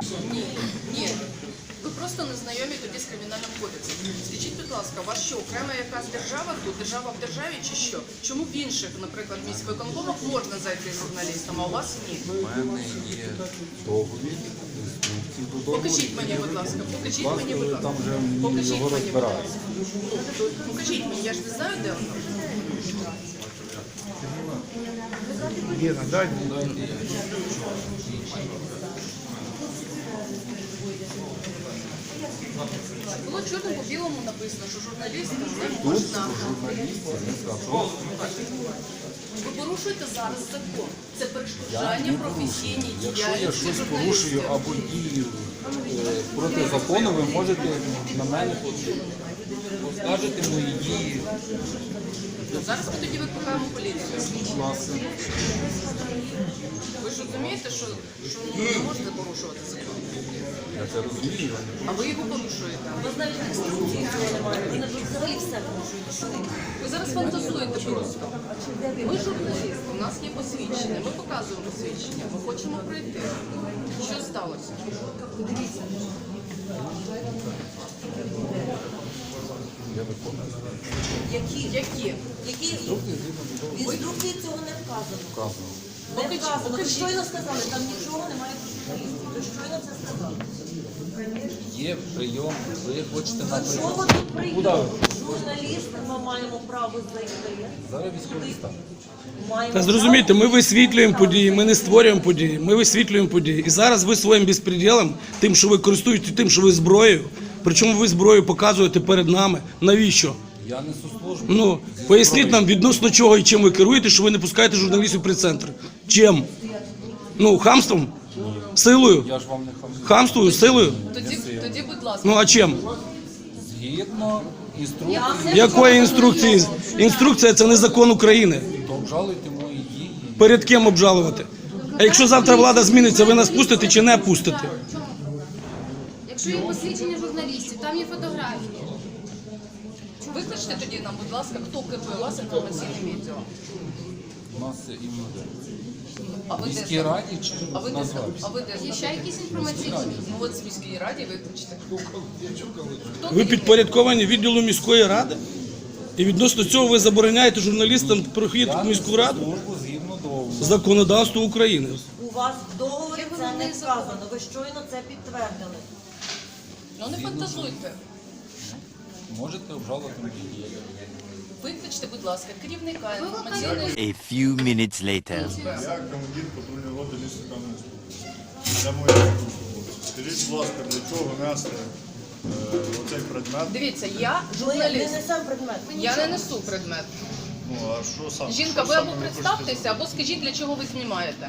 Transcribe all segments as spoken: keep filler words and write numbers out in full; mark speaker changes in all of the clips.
Speaker 1: Ні, ні. Ви просто не знайомі тоді з кримінальним кодексом. Скажіть, будь ласка, у вас що, окрема якась держава тут, держава в державі чи що? Чому в інших, наприклад, міськвиконкомах можна зайти журналістам, а у вас ні?
Speaker 2: У мене є договір, інструкції до договору.
Speaker 1: Покажіть мені, будь ласка, покажіть
Speaker 2: Власне,
Speaker 1: мені, будь
Speaker 2: ви
Speaker 1: ласка.
Speaker 2: там вже
Speaker 1: Покажіть
Speaker 2: його
Speaker 1: мені, будь
Speaker 2: розбираєте.
Speaker 1: ласка. Покажіть мені, я ж не знаю, де воно.
Speaker 3: Лена, дай.
Speaker 1: Було чорно по білому написано, що журналістам не
Speaker 2: Тут
Speaker 1: можна.
Speaker 2: журналісти не сказали.
Speaker 1: Ви порушуєте зараз закон. Це перешкоджання професійній
Speaker 2: Якщо я
Speaker 1: діяльності
Speaker 2: щось порушую
Speaker 1: журналістів.
Speaker 2: або дію е, проти закону, ви можете на мене оскаржити мої дії.
Speaker 1: Ну, зараз ми тоді викликаємо поліцію.
Speaker 2: Власне,
Speaker 1: Ви ж розумієте, що, що ну, не можете порушувати закон.
Speaker 2: я це розумію.
Speaker 1: А ви його порушуєте.
Speaker 4: Ви навіть інструкції цього немає. Ви навіть взагалі все порушуєте. Що ви?
Speaker 1: Ви зараз фантазуєте просто. Ми журналісти, у нас є посвідчення, ми показуємо посвідчення, ми хочемо пройти. Що сталося?
Speaker 2: Я виконую.
Speaker 4: Які?
Speaker 1: Які?
Speaker 4: Які? В інструкції цього не вказано.
Speaker 2: Вказано.
Speaker 4: Не
Speaker 1: Покажіть,
Speaker 4: вказано. Ви
Speaker 1: покажіть.
Speaker 4: щойно сказали, там нічого немає про журналістів. Ви щойно це сказали.
Speaker 2: Є прийом, ви хочете на
Speaker 4: До
Speaker 2: прийом.
Speaker 4: чого тут прийом? Журналісти, ми маємо право зайти.
Speaker 2: Зараз військовий стан.
Speaker 4: Маємо
Speaker 3: Та зрозумійте,
Speaker 4: право
Speaker 3: ми висвітлюємо події, ми не створюємо події, ми висвітлюємо події. І зараз ви своїм безпреділом, тим, що ви користуєтесь тим, що ви зброєю, причому ви зброю показуєте перед нами. Навіщо?
Speaker 2: Я несу службу.
Speaker 3: Ну, поясніть нам, відносно чого і чим ви керуєте, що ви не пускаєте журналістів при центр. Чим? Ну, хамством? Силою?
Speaker 2: Я ж вам не хамлю.
Speaker 3: Хамствою? Силою?
Speaker 1: Тоді, тоді, будь ласка.
Speaker 3: Ну, а чим?
Speaker 2: Згідно інструкції,
Speaker 3: Якої інструкції? Інструкція – це не закон України.
Speaker 2: то обжалуйте мої дії.
Speaker 3: Перед ким обжалувати? А якщо завтра влада зміниться, ви нас пустите чи не пустите?
Speaker 5: Якщо є посвідчення журналістів, там є фотографії.
Speaker 1: Викличте тоді нам, будь ласка, хто керує у вас інформаційним відділом.
Speaker 2: У нас це іменно
Speaker 1: А ви
Speaker 2: в
Speaker 1: де?
Speaker 2: міській раді чи
Speaker 1: А ви де?
Speaker 2: назвався?
Speaker 1: А ви де?
Speaker 5: Є ще якісь інформаційні?
Speaker 1: Ну от з міської раді викличте.
Speaker 3: Ви підпорядковані відділу міської ради? І відносно цього ви забороняєте журналістам прохід в міську раду?
Speaker 2: Службу згідно договору.
Speaker 3: Законодавство України.
Speaker 4: У вас в договорі
Speaker 5: Є
Speaker 4: це не
Speaker 5: головний
Speaker 4: вказано. Ви щойно це підтвердили.
Speaker 1: Ну не фантазуйте.
Speaker 2: Можете обжалувати мої дії.
Speaker 1: Викличте, будь ласка, керівника інформаційної.
Speaker 6: A few minutes later.
Speaker 7: Я командир патрульної роти міста Кам'янського. Це моя служба. Скажіть, будь ласка, для чого нести е, оцей предмет?
Speaker 1: Дивіться, я
Speaker 4: Ми не
Speaker 1: журналіст.
Speaker 4: несемо предмет.
Speaker 1: Я не несу предмет.
Speaker 7: Ну, а що сам?
Speaker 1: Жінка,
Speaker 7: що
Speaker 1: ви
Speaker 7: саме
Speaker 1: або
Speaker 7: хочете
Speaker 1: представтеся, або скажіть, для чого ви знімаєте.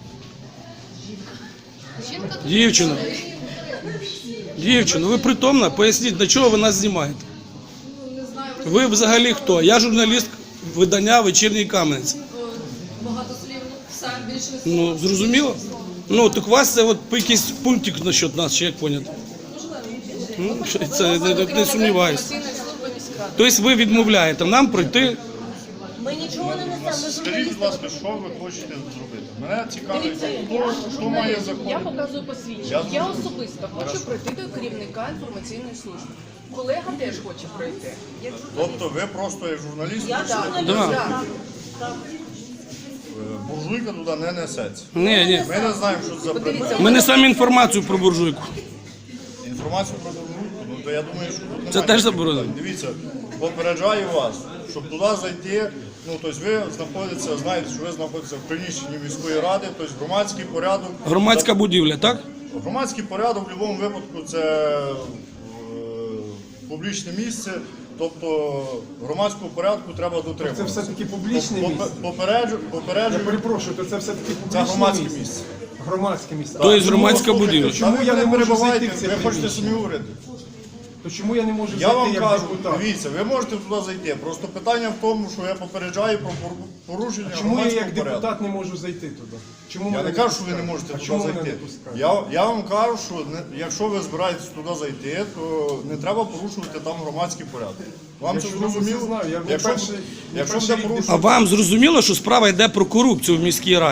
Speaker 5: Жінка тут
Speaker 3: Дівчина, дівчина, ви притомна? Поясніть, для чого ви нас знімаєте? Ви взагалі хто? Я журналіст видання «Вечірній Кам'янець».
Speaker 1: Багато слів, сам більше не
Speaker 3: Ну, зрозуміло? Ну, так у вас це от якийсь пунктик насчет нас, чи як поняти? Ну, це не, не, не сумніваюся.
Speaker 1: інформаційної служби міськради.
Speaker 3: Тобто ви відмовляєте нам пройти.
Speaker 4: Ми нічого не несемо. Ми
Speaker 7: Скажіть,
Speaker 4: журналісти.
Speaker 7: будь ласка, що ви хочете зробити? Мене цікавить, хто, хто має закон.
Speaker 1: Я показую посвідчення.
Speaker 7: Я
Speaker 1: Я
Speaker 7: зрозумів.
Speaker 1: особисто хочу пройти до керівника інформаційної служби. Колега теж хоче пройти.
Speaker 7: Тобто ви просто як журналіст,
Speaker 4: Я
Speaker 7: хочете,
Speaker 4: журналіст.
Speaker 3: Да.
Speaker 4: Так. Так.
Speaker 7: е, буржуйка туди не несеться.
Speaker 3: Ні, ні.
Speaker 7: Ми не знаємо, що це за предмет.
Speaker 3: Ми не самі інформацію про буржуйку.
Speaker 7: Інформацію про буржуйку, ну то я думаю, що тут немає.
Speaker 3: Це теж заборонено.
Speaker 7: Дивіться, попереджаю вас, щоб туди зайти, ну тобто ви знаходитеся, знаєте, що ви знаходитеся в приміщенні міської ради, тобто громадський порядок.
Speaker 3: Громадська будівля, так?
Speaker 7: Громадський порядок в будь-якому випадку це е, публічне місце, тобто громадського порядку треба
Speaker 8: Це
Speaker 7: дотримуватися.
Speaker 8: все-таки публічне
Speaker 7: Попе-
Speaker 8: місце.
Speaker 7: Попереджу,
Speaker 8: Я
Speaker 7: попереджую,
Speaker 8: перепрошую, то це все-таки
Speaker 7: це
Speaker 8: публічне
Speaker 7: громадське
Speaker 8: місце.
Speaker 7: місце.
Speaker 8: Громадське місце.
Speaker 3: То є
Speaker 8: А
Speaker 3: громадська
Speaker 8: чому-
Speaker 3: будівля.
Speaker 8: Чому
Speaker 7: Та
Speaker 8: я
Speaker 7: ви
Speaker 8: не можу
Speaker 7: перебивайте,
Speaker 8: зайти в це
Speaker 7: ви хочете
Speaker 8: приміщення?
Speaker 7: самі уряди.
Speaker 8: То чому я не можу
Speaker 7: Я
Speaker 8: зайти
Speaker 7: вам
Speaker 8: як
Speaker 7: кажу,
Speaker 8: депутат?
Speaker 7: дивіться, ви можете туди зайти. Просто питання в тому, що я попереджаю про пору- порушення
Speaker 8: Чому я
Speaker 7: громадського
Speaker 8: як
Speaker 7: порядку.
Speaker 8: депутат не можу зайти туди? Чому
Speaker 7: Я
Speaker 8: мене
Speaker 7: не кажу, що ви не
Speaker 8: пускають?
Speaker 7: можете
Speaker 8: А
Speaker 7: туди
Speaker 8: чому мене
Speaker 7: зайти.
Speaker 8: не пускають?
Speaker 7: Я, я вам кажу, що не- якщо ви збираєтесь туди зайти, то не треба порушувати там громадський порядок. Вам це
Speaker 8: Я чудово
Speaker 7: зрозуміло?
Speaker 8: це знаю. Я
Speaker 7: Якщо,
Speaker 8: перший- я
Speaker 7: якщо
Speaker 8: перший
Speaker 7: буде
Speaker 8: рік
Speaker 3: А
Speaker 7: порушувати,
Speaker 3: вам зрозуміло, що справа йде про корупцію в міській раді?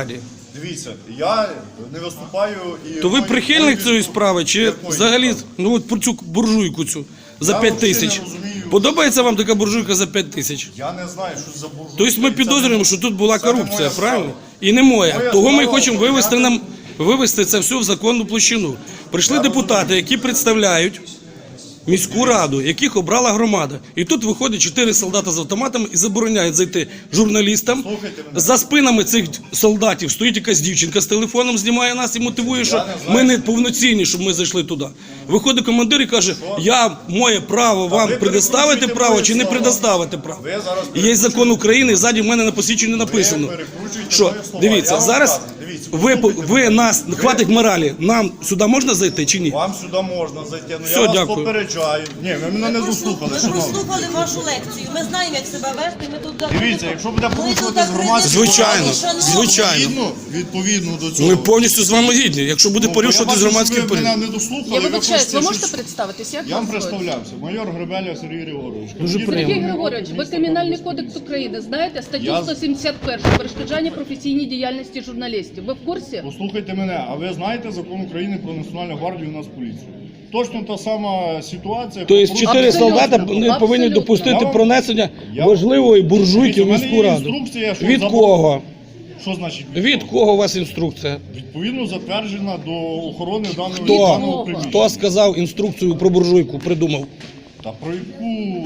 Speaker 7: Дивіться, я не виступаю і...
Speaker 3: То ви
Speaker 7: мої-
Speaker 3: прихильник
Speaker 7: мої
Speaker 3: цієї
Speaker 7: виступ-
Speaker 3: справи, чи
Speaker 7: Якої
Speaker 3: взагалі
Speaker 7: справи?
Speaker 3: ну от про цю буржуйку цю за
Speaker 7: Я
Speaker 3: п'ять
Speaker 7: взагалі
Speaker 3: тисяч?
Speaker 7: не розумію.
Speaker 3: Подобається вам така буржуйка за п'ять тисяч?
Speaker 7: Я не знаю, що за буржуйка.
Speaker 3: Тобто ми
Speaker 7: Це
Speaker 3: підозрюємо,
Speaker 7: не-
Speaker 3: що тут була
Speaker 7: це не
Speaker 3: корупція,
Speaker 7: моя
Speaker 3: правильно?
Speaker 7: справа.
Speaker 3: І не моя.
Speaker 7: Моя
Speaker 3: Того ми
Speaker 7: справа
Speaker 3: хочемо вивести
Speaker 7: охороняти-
Speaker 3: нам вивести це все в законну площину. Прийшли депутати, які представляють міську раду, яких обрала громада. І тут виходять чотири солдата з автоматами і забороняють зайти журналістам.
Speaker 7: Слухайте мене.
Speaker 3: За спинами цих солдатів стоїть якась дівчинка з телефоном, знімає нас і мотивує, що
Speaker 7: не знаю.
Speaker 3: ми не повноцінні, щоб ми зайшли туди. Виходить командир і каже, я моє право вам
Speaker 7: ви
Speaker 3: предоставити
Speaker 7: перекручуєте
Speaker 3: право
Speaker 7: мої
Speaker 3: чи не
Speaker 7: слова.
Speaker 3: предоставити право.
Speaker 7: Ви зараз
Speaker 3: І є закон України, і ззаді в мене на посвідченні написано.
Speaker 7: перекручуєте
Speaker 3: Що,
Speaker 7: мої слова.
Speaker 3: дивіться,
Speaker 7: Я вам
Speaker 3: зараз
Speaker 7: кажу, дивіться,
Speaker 3: ви,
Speaker 7: послухайте
Speaker 3: ви
Speaker 7: мене.
Speaker 3: нас, хватить моралі, нам сюди можна зайти чи ні?
Speaker 7: Вам сюди можна зайти, ну
Speaker 3: Все,
Speaker 7: я вас
Speaker 3: дякую.
Speaker 7: попереджаю. Ні, ви мене не дослухали,
Speaker 4: Ми
Speaker 7: шановні.
Speaker 4: прослухали вашу лекцію. Ми знаємо, як себе вести. Ми тут
Speaker 7: Дивіться, якщо буде
Speaker 4: Ми
Speaker 7: порушувати
Speaker 4: тут
Speaker 7: громадські
Speaker 3: Звичайно,
Speaker 4: порядок, шановні.
Speaker 3: звичайно.
Speaker 7: Відповідно, відповідно до цього.
Speaker 3: Ми повністю з вами гідні. Якщо буде
Speaker 7: Ну,
Speaker 3: порушувати
Speaker 7: я бачу,
Speaker 3: громадський
Speaker 7: що ви
Speaker 3: порядок.
Speaker 7: мене не дослухали.
Speaker 1: Я
Speaker 7: ви
Speaker 1: вибачаюсь,
Speaker 7: хочете
Speaker 1: ви можете
Speaker 7: щось-
Speaker 1: представитись? Як
Speaker 7: Я вам
Speaker 1: вас звуть?
Speaker 7: представлявся. Майор Гребеля Сергій Григорович.
Speaker 3: Дуже
Speaker 7: Командир
Speaker 3: приємно.
Speaker 5: Сергій Григорович, ви Кримінальний кодекс України знаєте, статтю
Speaker 7: Я-
Speaker 5: сто сімдесят першу перешкоджання професійній діяльності журналістів. Ви в курсі?
Speaker 7: Послухайте мене, а ви знаєте закон України про Національну гвардію і Нацполіцію? Точно та сама ситуація.
Speaker 3: Тобто
Speaker 7: по
Speaker 3: чотири
Speaker 7: порушенню-
Speaker 3: солдата не
Speaker 5: Абсолютно.
Speaker 3: повинні допустити
Speaker 7: Я вам-
Speaker 3: пронесення
Speaker 7: я-
Speaker 3: важливої буржуйки в
Speaker 7: Дивіться, в мене
Speaker 3: міську
Speaker 7: є
Speaker 3: раду.
Speaker 7: інструкція, що
Speaker 3: Від
Speaker 7: забор-
Speaker 3: кого?
Speaker 7: Що значить від,
Speaker 3: Від кого у вас інструкція?
Speaker 7: Відповідно затверджена до охорони даного,
Speaker 3: Хто?
Speaker 7: даного приміщення.
Speaker 3: Хто сказав інструкцію про буржуйку, придумав?
Speaker 7: Та про яку...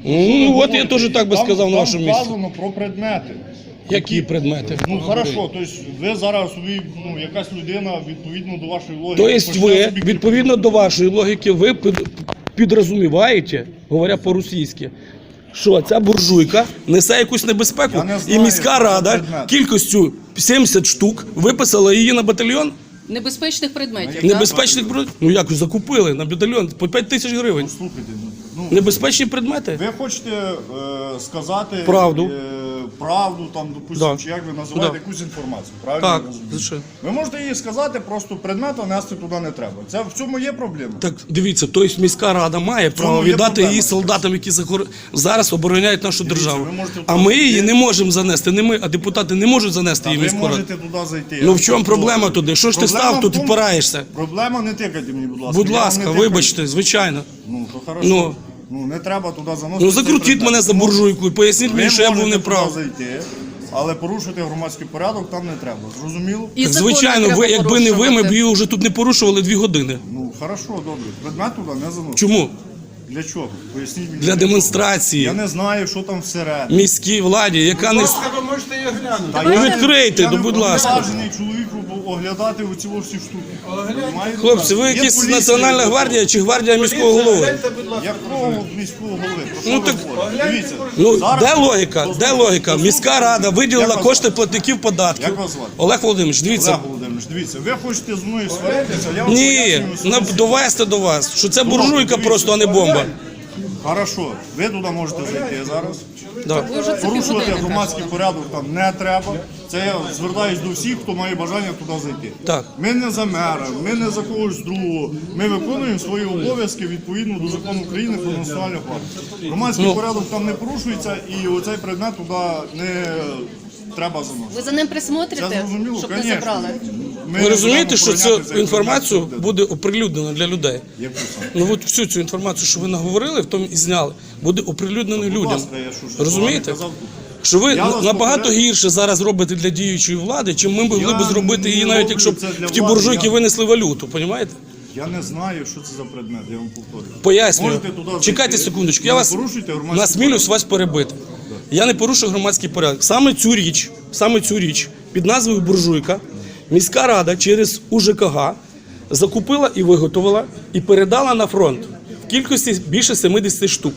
Speaker 3: Ну, от я теж так би
Speaker 7: Там-
Speaker 3: сказав на
Speaker 7: там
Speaker 3: вашому місці.
Speaker 7: вказано про предмети.
Speaker 3: Які предмети?
Speaker 7: Ну, хорошо, тобто ви зараз собі, ну, якась людина відповідно до вашої логіки.
Speaker 3: Тобто
Speaker 7: почне
Speaker 3: ви,
Speaker 7: собі
Speaker 3: відповідно до вашої логіки, ви під- підрозуміваєте, говоря по-російськи, що ця буржуйка несе якусь небезпеку,
Speaker 7: Я не
Speaker 3: і
Speaker 7: знаю,
Speaker 3: міська
Speaker 7: що це
Speaker 3: рада
Speaker 7: предмет.
Speaker 3: кількістю сімдесят штук виписала її на батальйон
Speaker 1: Небезпечних предметів.
Speaker 3: небезпечних бро- Ну як закупили на батальйон по п'ять тисяч гривень.
Speaker 7: Слухайте, ну,
Speaker 3: Небезпечні предмети?
Speaker 7: ви хочете е, сказати
Speaker 3: Правду.
Speaker 7: Е, правду, там, допустимо,
Speaker 3: Да.
Speaker 7: чи як ви називаєте
Speaker 3: Да.
Speaker 7: якусь інформацію, правильно?
Speaker 3: Так,
Speaker 7: я розумію?
Speaker 3: звичайно.
Speaker 7: Ви можете їй сказати, просто предмета нести туди не треба. Це в цьому є проблема.
Speaker 3: Так дивіться, тобто міська рада має право
Speaker 7: є
Speaker 3: віддати
Speaker 7: проблема.
Speaker 3: її солдатам, які захор- зараз обороняють нашу державу.
Speaker 7: ви можете
Speaker 3: А ми її
Speaker 7: туди-
Speaker 3: не можемо занести. Не ми, а депутати не можуть занести
Speaker 7: А
Speaker 3: її в
Speaker 7: ви
Speaker 3: міську раду.
Speaker 7: можете туди зайти.
Speaker 3: Ну в чому проблема туди? Що ж ти
Speaker 7: Проблема
Speaker 3: став
Speaker 7: в
Speaker 3: тут і
Speaker 7: тому-
Speaker 3: впираєшся?
Speaker 7: Проблема не тикайте мені, будь ласка.
Speaker 3: Будь
Speaker 7: Я вам
Speaker 3: ласка,
Speaker 7: не тикаю.
Speaker 3: вибачте, звичайно.
Speaker 7: Ну, то хорошо.
Speaker 3: Ну.
Speaker 7: Ну, не треба туди заносити.
Speaker 3: Ну
Speaker 7: цей
Speaker 3: закрутіть
Speaker 7: предмет.
Speaker 3: мене за
Speaker 7: Ну,
Speaker 3: буржуйку і поясніть
Speaker 7: Ви
Speaker 3: мені, що я був
Speaker 7: можете
Speaker 3: неправ.
Speaker 7: туди зайти, але порушити громадський порядок там не треба. Зрозуміло?
Speaker 1: І
Speaker 3: Так,
Speaker 1: закони
Speaker 3: звичайно,
Speaker 1: треба
Speaker 3: ви, якби не ви, ми б
Speaker 1: порушувати.
Speaker 3: її вже тут не порушували дві години.
Speaker 7: Ну, хорошо, добре. Предмет туди не заносити.
Speaker 3: Чому?
Speaker 7: Для чого? Поясніть мені.
Speaker 3: Для
Speaker 7: чого.
Speaker 3: демонстрації
Speaker 7: Я не знаю, що там всередині.
Speaker 3: міській владі, яка не... с-
Speaker 8: ви можете її глянути.
Speaker 7: Та
Speaker 3: Ну
Speaker 7: я-
Speaker 3: відкрийте,
Speaker 7: я
Speaker 3: ну
Speaker 7: не
Speaker 3: будь ласка.
Speaker 7: повноважений чоловіку оглядати оці всі штуки. Понимаєте?
Speaker 3: Хлопці, ви
Speaker 7: Є
Speaker 3: якісь
Speaker 7: поліція,
Speaker 3: Національна
Speaker 7: є-
Speaker 3: гвардія чи гвардія міського голови?
Speaker 8: Гляньте, будь ласка.
Speaker 7: Якого міського голови? Про що
Speaker 3: Ну,
Speaker 7: ви
Speaker 3: так-
Speaker 7: говорите? Дивіться.
Speaker 3: Ну,
Speaker 7: зараз-
Speaker 3: де логіка? Де
Speaker 7: Послухайте,
Speaker 3: логіка?
Speaker 7: послухайте.
Speaker 3: Міська рада виділила
Speaker 7: Як вас
Speaker 3: кошти
Speaker 7: звати?
Speaker 3: платників податків.
Speaker 7: Як вас звати?
Speaker 3: Олег Володимирович, дивіться.
Speaker 7: Олег Володимирович, дивіться, ви хочете з мною сваритися, я вам
Speaker 3: Ні,
Speaker 7: пояснюю свою
Speaker 3: на-
Speaker 7: ситуацію.
Speaker 3: довести до вас, що це
Speaker 7: Добре,
Speaker 3: буржуйка
Speaker 7: дивіться.
Speaker 3: просто, а не бомба.
Speaker 7: Хорошо, ви туди можете зайти зараз.
Speaker 3: Да.
Speaker 1: Ви вже це
Speaker 7: Порушувати
Speaker 1: півгодини
Speaker 7: громадський порядок там не треба. Це я звертаюсь до всіх, хто має бажання туди зайти.
Speaker 3: Так.
Speaker 7: Ми не за мера, ми не за когось другого. Ми виконуємо свої обов'язки відповідно до закону України про національну гвардію. Громадський
Speaker 3: Ну.
Speaker 7: порядок там не порушується і оцей предмет туди не треба заносити.
Speaker 1: Ви за ним
Speaker 7: Це
Speaker 1: присмотрите,
Speaker 7: зрозуміло,
Speaker 1: щоб не
Speaker 7: звісно.
Speaker 1: забрали?
Speaker 7: Ми
Speaker 3: Ви
Speaker 7: не
Speaker 3: розумієте,
Speaker 7: будемо
Speaker 3: що
Speaker 7: охороняти
Speaker 3: цю
Speaker 7: цей
Speaker 3: інформацію
Speaker 7: предмет.
Speaker 3: буде оприлюднено для людей?
Speaker 7: Яку саме?
Speaker 3: Ну от всю цю інформацію, що ви наговорили, в тому і зняли, буде оприлюднено
Speaker 7: Будь
Speaker 3: людям.
Speaker 7: ласка, я що ж
Speaker 3: Розумієте?
Speaker 7: казав тут?
Speaker 3: Що ви
Speaker 7: Я вас
Speaker 3: набагато
Speaker 7: попереджу.
Speaker 3: гірше зараз робите для діючої влади, чим ми могли
Speaker 7: Я
Speaker 3: б зробити її,
Speaker 7: не
Speaker 3: навіть
Speaker 7: роблю
Speaker 3: якщо б
Speaker 7: це для
Speaker 3: в ті
Speaker 7: влади,
Speaker 3: буржуйки
Speaker 7: я-
Speaker 3: винесли валюту, розумієте?
Speaker 7: Я не знаю, що це за предмет, я вам повторюю.
Speaker 3: Пояснюю.
Speaker 7: Можете туди зайти.
Speaker 3: Чекайте секундочку, я
Speaker 7: Не
Speaker 3: вас
Speaker 7: порушуйте громадський
Speaker 3: насмілюсь вас перебити. Я не порушую громадський порядок. Саме цю річ, саме цю річ під назвою буржуйка міська рада через УЖКГ закупила і виготовила і передала на фронт в кількості більше сімдесят штук.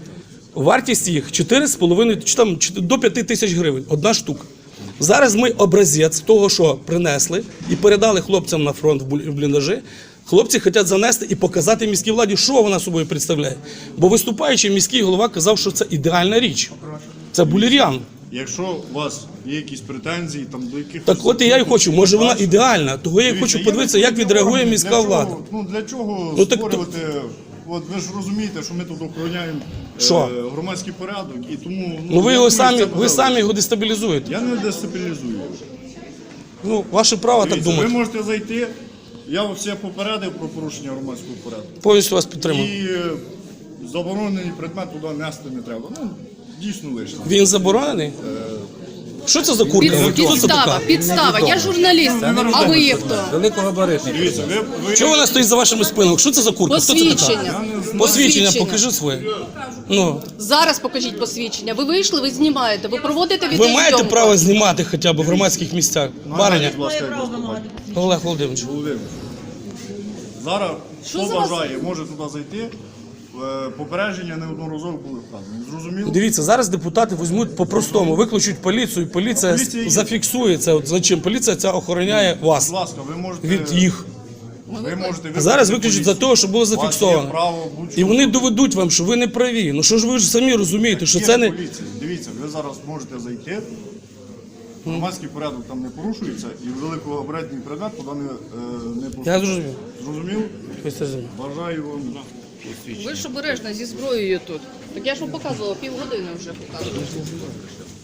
Speaker 3: Вартість їх чотири з половиною чи там чи- до п'яти тисяч гривень, одна штука. Зараз ми образець того, що принесли, і передали хлопцям на фронт в буль- в бліндажі. Хлопці хочуть занести і показати міській владі, що вона собою представляє. Бо виступаючи, міський голова казав, що це ідеальна річ. Це булір'ян.
Speaker 7: Якщо у вас є якісь претензії там до яких
Speaker 3: Так от і я й хочу, може вона ідеальна. Того я й хочу подивитися, як відреагує міська влада.
Speaker 7: Ну для чого
Speaker 3: Ну, так то-
Speaker 7: створювати? От ви ж розумієте, що ми тут охороняємо
Speaker 3: Що?
Speaker 7: е, громадський порядок, і тому
Speaker 3: Ну ви
Speaker 7: я
Speaker 3: його
Speaker 7: думаю,
Speaker 3: самі,
Speaker 7: це
Speaker 3: ви
Speaker 7: буде
Speaker 3: самі його дестабілізуєте.
Speaker 7: Я не дестабілізую.
Speaker 3: Ну, ваше право так
Speaker 7: Дивіться, ви
Speaker 3: думати.
Speaker 7: можете зайти, я все попередив про порушення громадського порядку.
Speaker 3: Повністю вас підтримую.
Speaker 7: І е, заборонений предмет туди нести не треба. Ну, дійсно лише.
Speaker 3: Він заборонений? Що це за курка?
Speaker 1: Під,
Speaker 3: Хто це
Speaker 1: підстава,
Speaker 3: така?
Speaker 1: підстава. Я журналіст, а ви є хто?
Speaker 2: Великогабаритний.
Speaker 7: Дивіться, ви, ви
Speaker 3: Чого вона стоїть за вашими спинами? Що це за курка? Хто це така?
Speaker 1: Посвідчення.
Speaker 3: Посвідчення, покажи своє. Ну,
Speaker 1: Зараз покажіть посвідчення. Ви вийшли, ви знімаєте, ви проводите
Speaker 3: ви
Speaker 1: відеозйомку.
Speaker 3: маєте право знімати хоча б в громадських місцях. Бариня,
Speaker 7: будь ласка,
Speaker 4: Має право
Speaker 7: як
Speaker 4: вимагати.
Speaker 3: Олег Володимирович.
Speaker 7: Володимир. Зараз хто
Speaker 1: за вас?
Speaker 7: бажає, може туди зайти. Е, Попередження неодноразово були вказані. Зрозуміло?
Speaker 3: Дивіться, зараз депутати візьмуть по-простому, викличуть поліцію, і поліція
Speaker 7: Поліція є.
Speaker 3: зафіксує це. От зачем? Поліція ця охороняє вас
Speaker 7: Будь ласка, ви можете...
Speaker 3: від їх.
Speaker 7: Ви можете
Speaker 3: А зараз
Speaker 7: викликати
Speaker 3: виключать за
Speaker 7: поліцію.
Speaker 3: те, що було
Speaker 7: У вас є
Speaker 3: зафіксовано.
Speaker 7: право будь-що.
Speaker 3: І вони доведуть вам, що ви не праві. Ну що ж ви ж самі розумієте, що
Speaker 7: Є
Speaker 3: це не.
Speaker 7: поліція. Дивіться, ви зараз можете зайти. Громадський порядок там не порушується і великогабаритний предмет туди не, е, не порушується.
Speaker 3: Я зрозумів.
Speaker 7: Зрозумів?
Speaker 3: Ви це зрозуміли.
Speaker 7: Бажаю вам.
Speaker 1: Ви ж обережно зі зброєю тут. Так я ж вам показувала, півгодини вже показувала.